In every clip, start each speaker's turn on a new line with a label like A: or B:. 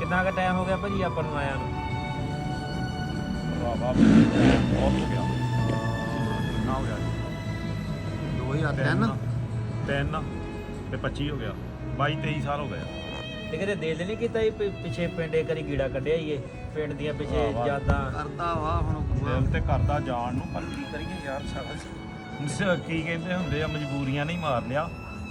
A: ਕਿੰਨਾ ਕੁ ਟਾਈਮ ਹੋ ਗਿਆ ਭਾਜੀ ਆਪਾਂ ਨੂੰ ਆਇਆ ਨੂੰ?
B: ਵਾਹ ਬਹੁਤ ਹੋ ਗਿਆ। ਕਿੰਨਾ ਹੋ ਗਿਆ
C: 2003
B: 3 ਤੇ 25 ਹੋ ਗਿਆ, 22 23 ਸਾਲ ਹੋ ਗਏ।
A: ਤੇ ਕਿਤੇ ਦਿਲ ਨਹੀਂ ਕੀਤਾ ਜੀ ਪਿੱਛੇ ਪਿੰਡੇ ਕਰੀ ਗੀੜਾ ਕੱਢਿਆ ਈਏ ਪਿੰਡ ਦੀਆਂ ਪਿੱਛੇ
B: ਵਾਹ।
A: ਯਾਦਾਂ
C: ਕਰਦਾ ਵਾ ਹੁਣ
B: ਦਿਲ ਤੇ ਕਰਦਾ ਜਾਣ ਨੂੰ, ਪਰ ਕੀ ਕਰੀਏ ਯਾਰ, ਸਾਡਾ ਕੀ ਕਹਿੰਦੇ ਹੁੰਦੇ ਆ, ਮਜਬੂਰੀਆਂ ਨਹੀਂ ਮਾਰ ਲਿਆ।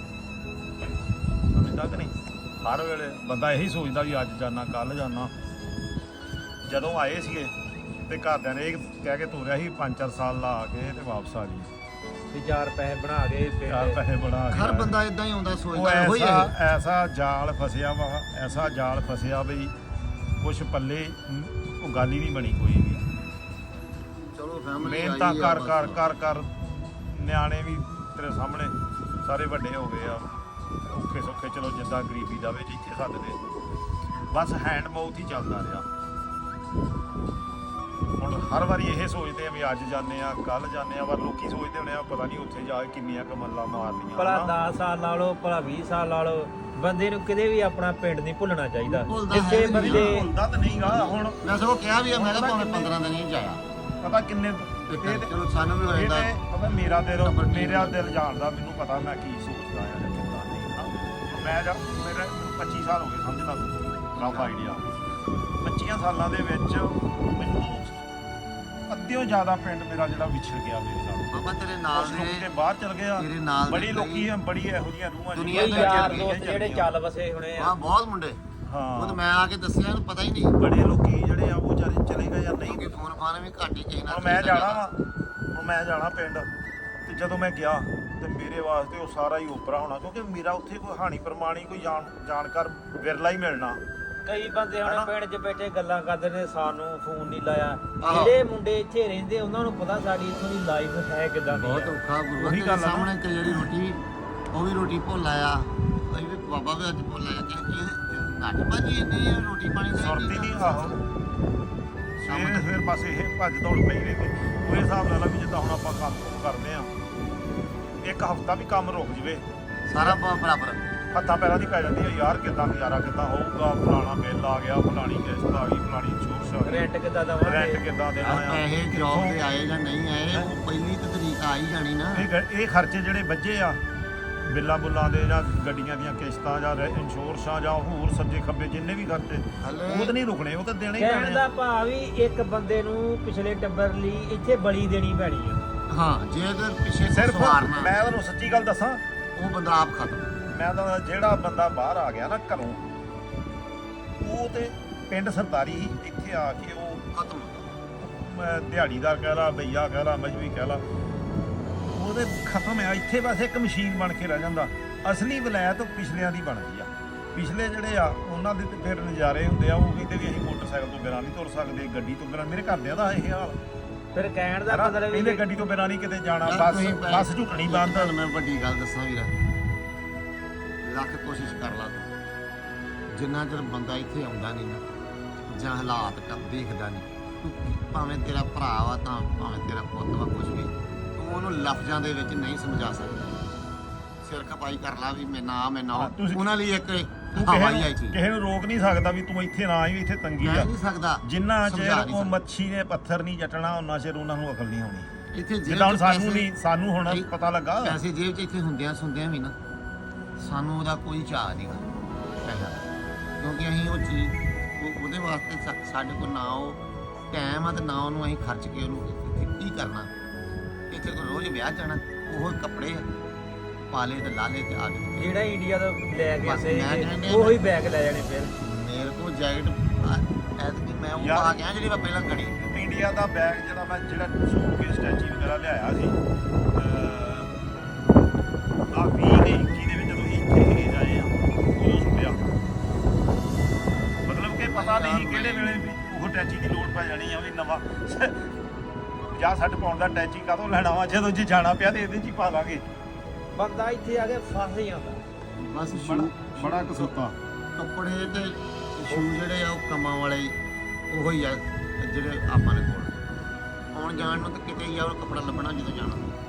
B: ਸਮਝਦਾ ਕਿ ਨਹੀਂ? ਹਰ ਵੇਲੇ ਬੰਦਾ ਇਹੀ ਸੋਚਦਾ ਵੀ ਅੱਜ ਜਾਣਾ ਕੱਲ ਜਾਣਾ। ਜਦੋਂ ਆਏ ਸੀਗੇ ਤੇ ਘਰਦਿਆਂ ਨੇ ਇਹ ਕਹਿ ਕੇ ਤੋਰਿਆ ਸੀ 5-4 ਸਾਲ ਲਾ ਕੇ ਤੇ ਵਾਪਸ ਆ ਜੀ।
A: ਤੇ 4 ਪੈਸੇ ਬਣਾ ਕੇ
B: ਯਾਰ
A: ਪਿੰਡ
B: ਪੈਸੇ ਬਣਾ ਕੇ
C: ਹਰ ਬੰਦਾ ਇਦਾਂ ਹੀ ਆਉਂਦਾ
B: ਉਹ
C: ਸੋਚਦਾ ਇਹੋ ਹੀ ਹੈ।
B: ਐਸਾ ਜਾਲ ਫਸਿਆ ਵਾ, ਐਸਾ ਜਾਲ ਫਸਿਆ ਬਈ ਕੁਛ ਪੱਲੇ ਉਹ ਗੱਲ ਹੀ ਨਹੀਂ ਬਣੀ ਕੋਈ ਵੀ।
C: ਚਲੋ ਫੈਮਿਲੀ
B: ਮਿਹਨਤਾਂ ਕਰ ਕਰ ਕਰ ਕਰ ਨਿਆਣੇ ਵੀ ਤੇਰੇ ਸਾਹਮਣੇ ਸਾਰੇ ਵੱਡੇ ਹੋ ਗਏ ਆ, ਔਖੇ ਸੌਖੇ ਚਲੋ ਜਿੱਦਾਂ ਗਰੀਬੀ ਜਾਵੇ ਜਿੱਥੇ ਸਕਦੇ, ਬਸ ਹੈਂਡ ਮਾਊਥ ਹੀ ਚੱਲਦਾ ਰਿਹਾ। ਹੁਣ ਹਰ ਵਾਰੀ ਇਹ ਸੋਚਦੇ ਆ ਵੀ ਅੱਜ ਜਾਂਦੇ ਆ ਕੱਲ ਜਾਂਦੇ ਆ, ਪਰ ਲੋਕੀ ਸੋਚਦੇ ਹੋਣੇ ਆ ਪਤਾ ਨਹੀਂ ਉੱਥੇ ਜਾ ਕੇ ਕਿੰਨੀਆਂ ਕਮਲਾਂ ਮਾਰਨੀਆਂ।
A: ਭਲਾ
B: ਹਨਾ।
A: 10 ਸਾਲ ਲਾ ਲਓ ਭਲਾ 20 ਸਾਲ ਲਾ ਲਓ, ਬੰਦੇ ਨੂੰ ਕਿਤੇ ਵੀ ਆਪਣਾ ਪਿੰਡ ਨਹੀਂ ਭੁੱਲਣਾ ਚਾਹੀਦਾ।
C: ਭੁੱਲਦਾ
A: ਜਿੱਥੇ
C: ਹੈ ਨੀ
A: ਬੰਦੇ
B: ਭੁੱਲਦਾ ਤਾਂ ਨਹੀਂਗਾ। ਹੁਣ
C: ਮੈਂ ਸਗੋਂ ਕਿਹਾ ਵੀ ਆ, ਮੈਂ ਕਿਹਾ ਭਾਵੇਂ 15 ਦਿਨ ਹੀ ਜਾਇਆ
B: ਪਤਾ ਕਿੰਨੇ
C: ਤੇ
B: ਇਹ ਤੇ-
C: ਚਲੋ ਸਾਨੂੰ ਵੀ ਹੋ
B: ਇਹ
C: ਜਾਂਦਾ
B: ਤੇ ਪਤਾ ਮੇਰਾ
C: ਨੰਬਰ ਠੀਕ
B: ਮੇਰਾ
C: ਹੈ।
B: ਦਿਲ ਜਾਣਦਾ, ਮੈਨੂੰ ਪਤਾ ਮੈਂ ਕੀ ਸੋਚਦਾ ਆ ਜਾਂ ਕਿੱਦਾਂ ਨਹੀਂ। ਹਨਾ ਮੈਂ ਮੇਰੇ 25 ਸਾਲ ਹੋ ਗਏ ਸਮਝਦਾ ਤੂੰ, ਰਫ ਆਈਡੀਆ 25 ਸਾਲਾਂ ਦੇ ਵਿੱਚ ਮੈਨੂੰ ਅੱਧਿਓਂ ਜ਼ਿਆਦਾ ਪਿੰਡ ਮੇਰਾ ਜਿਹੜਾ ਵਿਛੜ ਗਿਆ ਮੇਰੇ ਨਾਲ।
C: ਬਾਬਾ ਤੇਰੇ ਨਾਲ
B: ਕੁਛ ਲੋਕੀ ਤੇ
C: ਦੇ
B: ਬਾਹਰ ਚਲ ਗਏ ਆ,
C: ਤੇਰੇ ਨਾਲ
B: ਬੜੀ
C: ਦੇ
B: ਲੋਕੀ ਆ, ਬੜੀ ਇਹੋ ਜਿਹੀਆਂ ਰੂਹਾਂ
C: ਦੁਨੀਆ
A: ਕੋਈ
C: ਦੇ
A: ਯਾਰ
C: ਚੱਲ
A: ਦੋਸਤ ਜਿਹੜੇ ਚੱਲ ਵਸੇ ਹੋਣੇ ਆ।
C: ਹਾਂ ਬਹੁਤ ਮੁੰਡੇ ਉਹ ਤਾਂ
B: ਹਾਂ
C: ਮੈਂ ਆ ਕੇ ਦੱਸਿਆ ਇਹਨੂੰ ਪਤਾ ਹੀ ਨਹੀਂ
B: ਬੜੇ ਲੋਕੀ ਜਿਹੜੇ ਆ ਉਹ ਵਿਚਾਰੇ ਚਲੇ ਗਏ ਜਾਂ ਨਹੀਂ।
C: ਕਿਉਂਕਿ ਫੋਨ ਫਾਨ ਵੀ ਘੱਟ ਹੀ ਕਿਸੇ ਨਾਲ
B: ਹੁਣ ਮੈਂ ਜਾਣਾ ਵਾ, ਹੁਣ ਮੈਂ ਜਾਣਾ ਪਿੰਡ, ਤੇ ਜਦੋਂ ਮੈਂ ਗਿਆ ਤੇ ਮੇਰੇ ਵਾਸਤੇ ਉਹ ਸਾਰਾ ਹੀ ਓਪਰਾ ਹੋਣਾ, ਕਿਉਂਕਿ ਮੇਰਾ ਉੱਥੇ ਕੋਈ ਹਾਣੀ ਪ੍ਰਮਾਣੀ ਕੋਈ ਜਾਣਕਾਰ ਵਿਰਲਾ ਹੀ ਮਿਲਣਾ।
A: ਕਈ ਬੰਦੇ ਹੁਣ
B: ਹਨਾ?
A: ਪਿੰਡ 'ਚ ਬੈਠੇ ਗੱਲਾਂ ਕਰਦੇ ਨੇ, ਸਾਨੂੰ ਫੋਨ ਨਹੀਂ ਲਾਇਆ।
C: ਆਹੋ।
A: ਜਿਹੜੇ ਮੁੰਡੇ ਇੱਥੇ ਰਹਿੰਦੇ ਉਹਨਾਂ ਨੂੰ ਪਤਾ ਸਾਡੀ ਇੱਥੋਂ ਦੀ ਲਾਈਫ ਹੈ ਕਿਦਾਂ ਦੀ
C: ਬਹੁਤ
A: ਆ।
C: ਔਖਾ ਗੁਰੂ
B: ਉਹੀ
C: ਦੇ
B: ਗੱਲ ਆ ਨਾ।
C: ਸਾਹਮਣੇ ਤੇ ਜਿਹੜੀ ਰੋਟੀ ਉਹ ਵੀ ਰੋਟੀ ਭੁੱਲ ਆਇਆ, ਅਸੀਂ ਵੀ ਬਾਬਾ ਵੀ ਅੱਜ ਭੁੱਲ ਆਇਆ ਕਿ ਘੱਟ ਭਾਜੀ ਇੰਨੀ ਰੋਟੀ ਪਾਣੀ ਦਾ
B: ਸੁਰਤੀ ਨਹੀਂ ਆਹੋ ਸਵੇਰ ਬਸ ਇਹ ਭੱਜ ਦੌੜ ਪਈ ਰਹਿੰਦੀ। ਉਹ ਹਿਸਾਬ ਨਾਲ ਆ ਵੀ ਜਿੱਦਾਂ ਹੁਣ ਆਪਾਂ ਕੰਮ ਕੁਮ ਕਰਦੇ ਆ, ਇੱਕ ਹਫਤਾ ਵੀ ਕੰਮ ਰੁਕ ਜਵੇ
C: ਸਾਰਾ ਬਰਾਬਰ
B: ਹੱਥਾਂ ਪੈਰਾਂ ਦੀ ਪੈ ਜਾਂਦੀ ਆ ਯਾਰ, ਕਿੱਦਾਂ ਗੁਜ਼ਾਰਾ ਕਿੱਦਾਂ ਹੋਊਗਾ, ਫਲਾਣਾ ਬਿੱਲ ਆ ਗਿਆ, ਫਲਾਣੀ ਕਿਸ਼ਤ ਆ ਗਈ, ਫਲਾਣੀ ਇੰਸ਼ੋਰੈਂਸ ਆ ਗਈ,
A: ਰੈਂਟ ਕਿੱਦਾਂ
B: ਰੈਂਟ
A: ਦਵਾਂਗੇ,
B: ਕਿੱਦਾਂ ਦੇਣਾ ਆ।
C: ਪੈਸੇ ਜੌਬ ਤੇ ਆਏ ਜਾਂ ਨਹੀਂ ਆਏ ਉਹ ਪਹਿਲੀ ਤਾਂ ਤਰੀਕ ਆ ਹੀ ਜਾਣੀ ਨਾ।
B: ਇਹ ਖਰਚੇ ਜਿਹੜੇ ਵੱਜੇ ਆ ਬਿੱਲਾਂ ਬੁੱਲਾਂ ਦੇ ਜਾਂ ਗੱਡੀਆਂ ਦੀਆਂ ਕਿਸ਼ਤਾਂ ਜਾਂ ਇੰਸ਼ੋਰੈਂਸਾਂ ਜਾਂ ਹੋਰ ਸੱਜੇ ਖੱਬੇ ਜਿੰਨੇ ਵੀ ਖਰਚੇ ਉਹ ਤਾਂ ਨਹੀਂ ਰੁਕਣੇ, ਉਹ ਤਾਂ ਦੇਣੇ ਹੀ
A: ਕਹਿਣ
B: ਪੈਣੇ
A: ਦਾ
B: ਆ।
A: ਭਾਵ ਵੀ ਇੱਕ ਬੰਦੇ ਨੂੰ ਪਿਛਲੇ ਟੱਬਰ ਲਈ ਇੱਥੇ ਬਲੀ ਦੇਣੀ ਪੈਣੀ ਆ।
C: ਹਾਂ ਜੇ ਅਗਰ ਪਿੱਛੇ
B: ਸਿਰਫ
C: ਸਵਾਰਨਾ
B: ਮੈਂ ਤੁਹਾਨੂੰ ਸੱਚੀ ਗੱਲ ਦੱਸਾਂ,
C: ਉਹ ਬੰਦਾ ਆਪ ਖਤਮ।
B: ਮੈਂ ਤਾਂ ਜਿਹੜਾ ਬੰਦਾ ਬਾਹਰ ਆ ਗਿਆ ਨਾ ਘਰੋਂ, ਉਹ ਤੇ ਪਿੰਡ ਸਰਦਾਰੀ ਹੀ, ਇੱਥੇ ਆ ਕੇ ਉਹ
C: ਖਤਮ
B: ਦਿਹਾੜੀਦਾਰ ਕਹਿ ਲਾ, ਬਈਆ ਕਹਿ ਲਾ, ਮਜਬੀ ਕਹਿ ਲਾ, ਉਹਦੇ ਖਤਮ ਆ। ਇੱਥੇ ਬਸ ਇੱਕ ਮਸ਼ੀਨ ਬਣ ਕੇ ਰਹਿ ਜਾਂਦਾ। ਅਸਲੀ ਵਲਾਇਤ ਪਿਛਲਿਆਂ ਦੀ ਬਣਦੀ ਆ। ਪਿਛਲੇ ਜਿਹੜੇ ਆ ਉਹਨਾਂ ਦੇ ਤੇ ਫਿਰ ਨਜ਼ਾਰੇ ਹੁੰਦੇ ਆ, ਉਹ ਕਹਿੰਦੇ ਵੀ ਅਸੀਂ ਮੋਟਰਸਾਈਕਲ ਤੋਂ ਬਿਨਾਂ ਨਹੀਂ ਤੁਰ ਸਕਦੇ, ਗੱਡੀ ਤੋਂ ਬਿਨਾਂ। ਮੇਰੇ ਘਰਦਿਆਂ ਦਾ ਇਹ ਹਾਲ,
A: ਫਿਰ ਕਹਿਣ ਦਾ
B: ਹਨਾ?
A: ਮਤਲਬ
B: ਕਹਿੰਦੇ
A: ਵੀ
B: ਗੱਡੀ ਤੋਂ ਬਿਨਾਂ ਨਹੀਂ ਕਿਤੇ ਜਾਣਾ,
C: ਯਾਰ
B: ਬੱਸ
C: ਤੁਸੀਂ
B: ਬੱਸ ਝੁਕਣੀ ਬੰਦ।
C: ਤੁਹਾਨੂੰ ਮੈਂ ਵੱਡੀ ਗੱਲ ਦੱਸਾਂ ਵੀਰਾ, ਲੱਖ ਕੋਸ਼ਿਸ਼ ਕਰ ਲਾ ਤੂੰ, ਜਿੰਨਾ ਚਿਰ ਬੰਦਾ ਇੱਥੇ ਆਉਂਦਾ ਨਹੀਂ ਨਾ ਜਾਂ ਹਾਲਾਤ ਦੇਖਦਾ ਨਹੀਂ, ਤੂੰ ਭਾਵੇਂ ਤੇਰਾ ਭਰਾ ਵਾ ਤਾਂ ਭਾਵੇਂ ਤੇਰਾ ਪੁੱਤ ਵਾ, ਕੁਝ ਵੀ ਤੂੰ ਉਹਨੂੰ ਲਫ਼ਜ਼ਾਂ ਦੇ ਵਿੱਚ ਨਹੀਂ ਸਮਝਾ ਸਕਦਾ। ਸਿਰ ਖਪਾਈ ਕਰ ਲਾ ਵੀ ਮੈਂ ਨਾ
B: ਹਾਂ, ਤੁਸੀਂ-
C: ਉਹਨਾਂ ਲਈ ਇੱਕ
B: ਤੂੰ
C: ਹਵਾ ਹੀ ਆਈ ਚੀਜ਼
B: ਕਿਸੇ ਨੂੰ ਰੋਕ ਨਹੀਂ ਸਕਦਾ ਵੀ ਤੂੰ ਇੱਥੇ ਨਾ ਆਈ, ਇੱਥੇ ਤੰਗੀ
C: ਕਹਿ
B: ਆ।
C: ਨਹੀਂ ਸਕਦਾ।
B: ਜਿੰਨਾ
C: ਸਮਝਾ
B: ਚਿਰ
C: ਨਹੀਂ
B: ਉਹ
C: ਸਕਦਾ।
B: ਮੱਛੀ ਨੇ ਪੱਥਰ ਨਹੀਂ ਜੱਟਣਾ, ਉਹਨਾਂ ਚਿਰ ਉਹਨਾਂ ਨੂੰ ਅਕਲ ਨਹੀਂ ਆਉਣੀ।
C: ਇੱਥੇ ਜੇਬ
B: ਜਿੱਦਾਂ ਹੁਣ
C: ਚ
B: ਸਾਨੂੰ
C: ਪੈਸੇ-
B: ਨਹੀਂ, ਸਾਨੂੰ ਹੁਣ
C: ਇਹ
B: ਪਤਾ ਲੱਗਾ।
C: ਪੈਸੇ ਜੇਬ 'ਚ ਇੱਥੇ ਹੁੰਦਿਆਂ ਸੁਣਦਿਆਂ ਵੀ ਨਾ ਸਾਨੂੰ ਉਹਦਾ ਕੋਈ ਚਾਅ ਨਹੀਂਗਾ ਪੈਸਾ, ਕਿਉਂਕਿ ਅਸੀਂ ਉਹ ਚੀਜ਼ ਉਹਦੇ ਵਾਸਤੇ ਸਾਡੇ ਕੋਲ ਨਾ ਉਹ ਟਾਈਮ ਆ ਤੇ ਨਾ ਉਹਨੂੰ ਅਸੀਂ ਖਰਚ ਕੇ ਉਹਨੂੰ ਇੱਥੇ ਕੀ ਕਰਨਾ। ਇੱਥੇ ਕੋਈ ਰੋਜ਼ ਵਿਆਹ ਜਾਣਾ, ਉਹ ਕੱਪੜੇ ਪਾਲੇ ਤੇ ਲਾਲੇ ਤੇ ਆ ਗਏ।
A: ਜਿਹੜਾ ਇੰਡੀਆ ਤੋਂ ਲੈ ਕੇ
C: ਬਸ
A: ਸੇ
C: ਮੈਂ ਕਹਿੰਦਾ
A: ਉਹੀ ਬੈਗ ਲੈ ਜਾਣੇ ਫਿਰ।
C: ਮੇਰੇ ਕੋਲ ਜੈਕਟ ਐਤਕੀ ਮੈਂ ਉਹ
B: ਯਾਰ-
C: ਪਾ ਗਿਆ ਜਿਹੜੀ ਮੈਂ ਪਹਿਲਾਂ ਖੜੀ।
B: ਇੰਡੀਆ ਦਾ ਬੈਗ ਜਿਹੜਾ ਮੈਂ ਸੂਟ ਕੇ ਸਟੈਚੀ ਵਗੈਰਾ ਲਿਆਇਆ ਸੀ, ਆ 20 ਦੇ 21 ਦੇ ਵਿੱਚ ਜਦੋਂ ਇੱਥੇ ਜਾਏ ਆ ਉਦੋਂ ਸੁੱਟਿਆ। ਮਤਲਬ ਕਿ ਪਤਾ ਨਹੀਂ ਕਿਹੜੇ ਵੇਲੇ ਵੀ ਉਹ ਟੈਚੀ ਦੀ ਲੋੜ ਪੈ ਜਾਣੀ ਆ ਵੀ ਨਵਾਂ 50-60 ਪਾਉਣ ਦਾ ਟੈਚੀ ਕਾਹਤੋਂ ਲੈਣਾ ਵਾ, ਜਦੋਂ ਜੇ ਜਾਣਾ ਪਿਆ ਤੇ ਇਹਦੇ 'ਚ ਹੀ ਪਾ ਲਾਂਗੇ।
A: ਬੰਦਾ ਇੱਥੇ ਆ ਕੇ ਫਸ ਜਾਂਦਾ।
C: ਬਸ
B: ਬੜਾ ਕਸੂਤਾ।
C: ਕੱਪੜੇ ਤੇ ਸ਼ੂ ਜਿਹੜੇ ਆ ਉਹ ਕੰਮਾਂ ਵਾਲੇ ਉਹੀ ਆ ਜਿਹੜੇ ਆਪਾਂ ਨੇ ਕੋਲ ਆਉਣ ਜਾਣ ਨੂੰ ਤਾਂ ਕਿਤੇ ਹੀ ਆ ਉਹ ਕੱਪੜਾ ਲੱਭਣਾ ਜਦੋਂ ਜਾਣਾ।